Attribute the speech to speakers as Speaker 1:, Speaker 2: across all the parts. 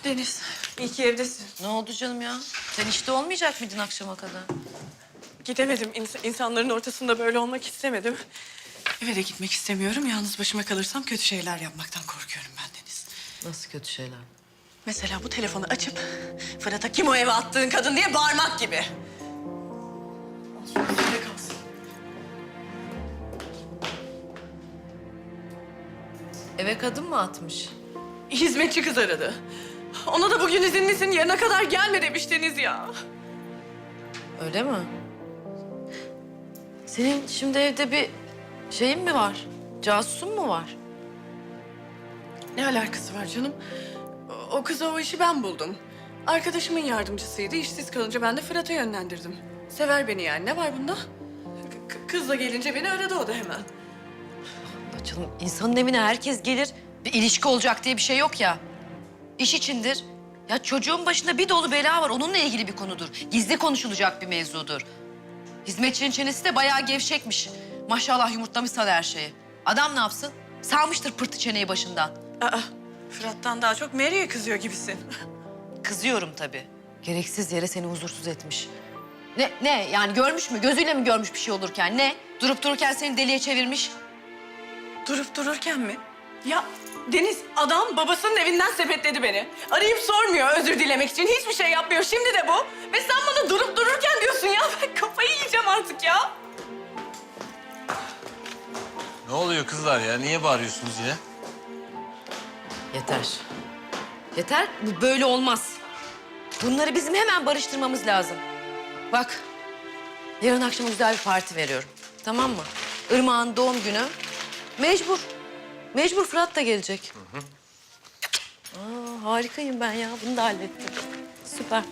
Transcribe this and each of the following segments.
Speaker 1: Deniz, iyi ki evdesin.
Speaker 2: Ne oldu canım ya? Sen işte olmayacak mıydın akşama kadar?
Speaker 1: Gidemedim. İnsanların ortasında böyle olmak istemedim. Eve de gitmek istemiyorum. Yalnız başıma kalırsam kötü şeyler yapmaktan korkuyorum ben Deniz.
Speaker 2: Nasıl kötü şeyler?
Speaker 1: Mesela bu telefonu açıp Fırat'a kim o eve attığın kadın diye bağırmak gibi. Olsun, üstünde kalsın.
Speaker 2: Eve kadın mı atmış?
Speaker 1: Hizmetçi kız aradı. Ona da bugün izinlisin, yarına kadar gelme demiş Deniz ya.
Speaker 2: Öyle mi? Senin şimdi evde bir şeyin mi var? Casusun mu var?
Speaker 1: Ne alakası var canım? O kıza o işi ben buldum. Arkadaşımın yardımcısıydı. İşsiz kalınca ben de Fırat'a yönlendirdim. Sever beni yani. Ne var bunda? Kızla gelince beni aradı o da hemen.
Speaker 2: Ya canım insanın evine herkes gelir. Bir ilişki olacak diye bir şey yok ya. İş içindir. Ya çocuğun başında bir dolu bela var. Onunla ilgili bir konudur. Gizli konuşulacak bir mevzudur. Hizmetçinin çenesi de bayağı gevşekmiş. Maşallah yumurtlamış sana her şeyi. Adam ne yapsın? Salmıştır pırtı çeneyi başından.
Speaker 1: Aa, Fırat'tan daha çok Mary'e kızıyor gibisin.
Speaker 2: Kızıyorum tabii. Gereksiz yere seni huzursuz etmiş. Ne yani görmüş mü? Gözüyle mi görmüş bir şey olurken? Ne? Durup dururken seni deliye çevirmiş.
Speaker 1: Durup dururken mi? Ya Deniz, adam babasının evinden sepetledi beni. Arayıp sormuyor özür dilemek için. Hiçbir şey yapmıyor. Şimdi de bu. Ve sen bana durup dururken diyorsun ya. Ben kafayı yiyeceğim artık ya.
Speaker 3: Ne oluyor kızlar ya? Niye bağırıyorsunuz yine?
Speaker 2: Yeter. Yeter. Bu böyle olmaz. Bunları bizim hemen barıştırmamız lazım. Bak, yarın akşam güzel bir parti veriyorum. Tamam mı? Irmak'ın doğum günü. Mecbur. Mecbur Fırat da gelecek. Aa, harikayım ben ya. Bunu da hallettim. Süper.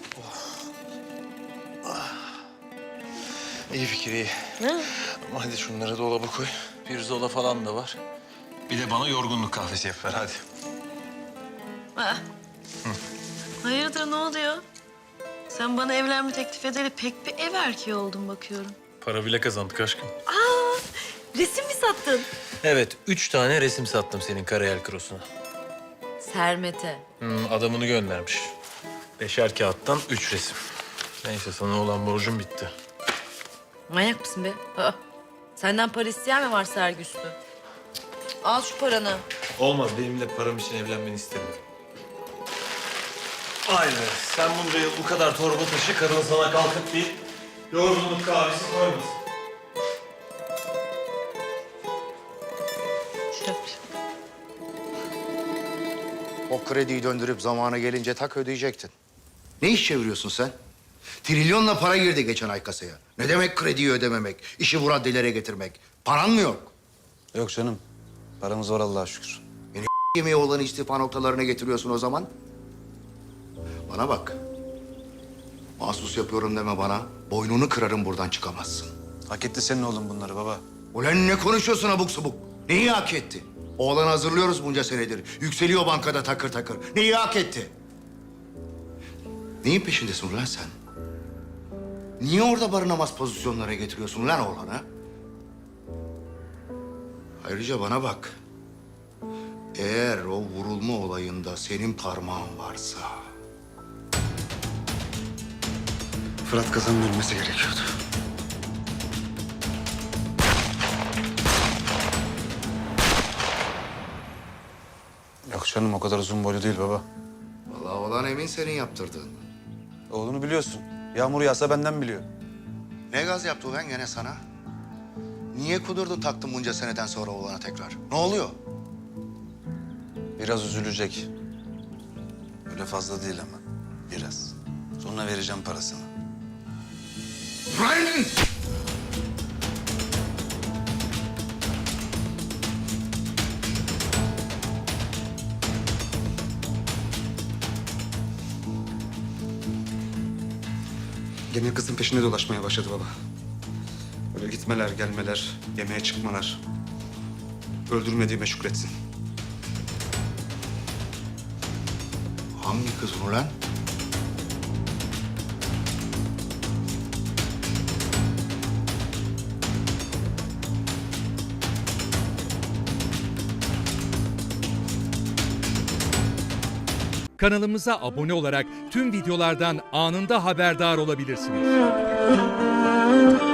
Speaker 3: İyi fikir, iyi.
Speaker 2: Ne?
Speaker 3: Ama hadi şunları dolaba koy. Pirzola falan da var. Bir de bana yorgunluk kahvesi yap ver hadi.
Speaker 2: Aa. Hayırdır ne oluyor? Sen bana evlenme teklif edeli pek bir ev erkeği oldun bakıyorum.
Speaker 3: Para bile kazandık aşkım.
Speaker 2: Aa, resim mi sattın?
Speaker 3: Evet, 3 tane resim sattım senin Karayel Krosu'na.
Speaker 2: Sermet'e.
Speaker 3: Adamını göndermiş. 5'er kağıttan 3 resim. Neyse sana olan borcum bitti.
Speaker 2: Manyak mısın be? Aa, senden para isteyen mi var Sergüslü? Al şu paranı.
Speaker 3: Olmaz, benimle param için evlenmeni istemiyorum. Aynen. Sen bunca yıl bu kadar torba taşı, karın sana kalkıp bir yorgunluk kahvesi koymasın.
Speaker 2: Şöp.
Speaker 4: O krediyi döndürüp zamanı gelince tak ödeyecektin. Ne iş çeviriyorsun sen? Trilyonla para girdi geçen ay kasaya. Ne demek krediyi ödememek, işi bu raddelere getirmek? Paran mı yok?
Speaker 5: Yok canım. Paramız var Allah'a şükür.
Speaker 4: Yemeği olan istifa noktalarına getiriyorsun o zaman. Bana bak. Mahsus yapıyorum deme bana. Boynunu kırarım buradan çıkamazsın.
Speaker 5: Hak etti senin oğlum bunları baba.
Speaker 4: Ulan ne konuşuyorsun abuk subuk? Neyi hak etti? Oğlanı hazırlıyoruz bunca senedir. Yükseliyor bankada takır takır. Neyi hak etti? Neyin peşindesin ulan sen? Niye orada barınamaz pozisyonlara getiriyorsun lan oğlanı? Ayrıca bana bak. Eğer o vurulma olayında senin parmağın varsa...
Speaker 5: Fırat Kazan'ın ölmesi gerekiyordu. Yok canım o kadar uzun boylu değil baba.
Speaker 4: Vallahi olan emin senin yaptırdığın.
Speaker 5: Oğlunu biliyorsun. Yağmur yağsa benden biliyor.
Speaker 4: Ne gaz yaptı ulan gene sana? Niye kudurdun taktın bunca seneden sonra oğlana tekrar? Ne oluyor?
Speaker 5: Biraz üzülecek. Öyle fazla değil ama. Biraz. Sonra vereceğim parasını.
Speaker 4: Ulan!
Speaker 5: Gene kızın peşinde dolaşmaya başladı baba. Böyle gitmeler, gelmeler, yemeğe çıkmalar. Öldürmediğime şükretsin.
Speaker 4: Hangi kız ulan?
Speaker 6: Kanalımıza abone olarak tüm videolardan anında haberdar olabilirsiniz.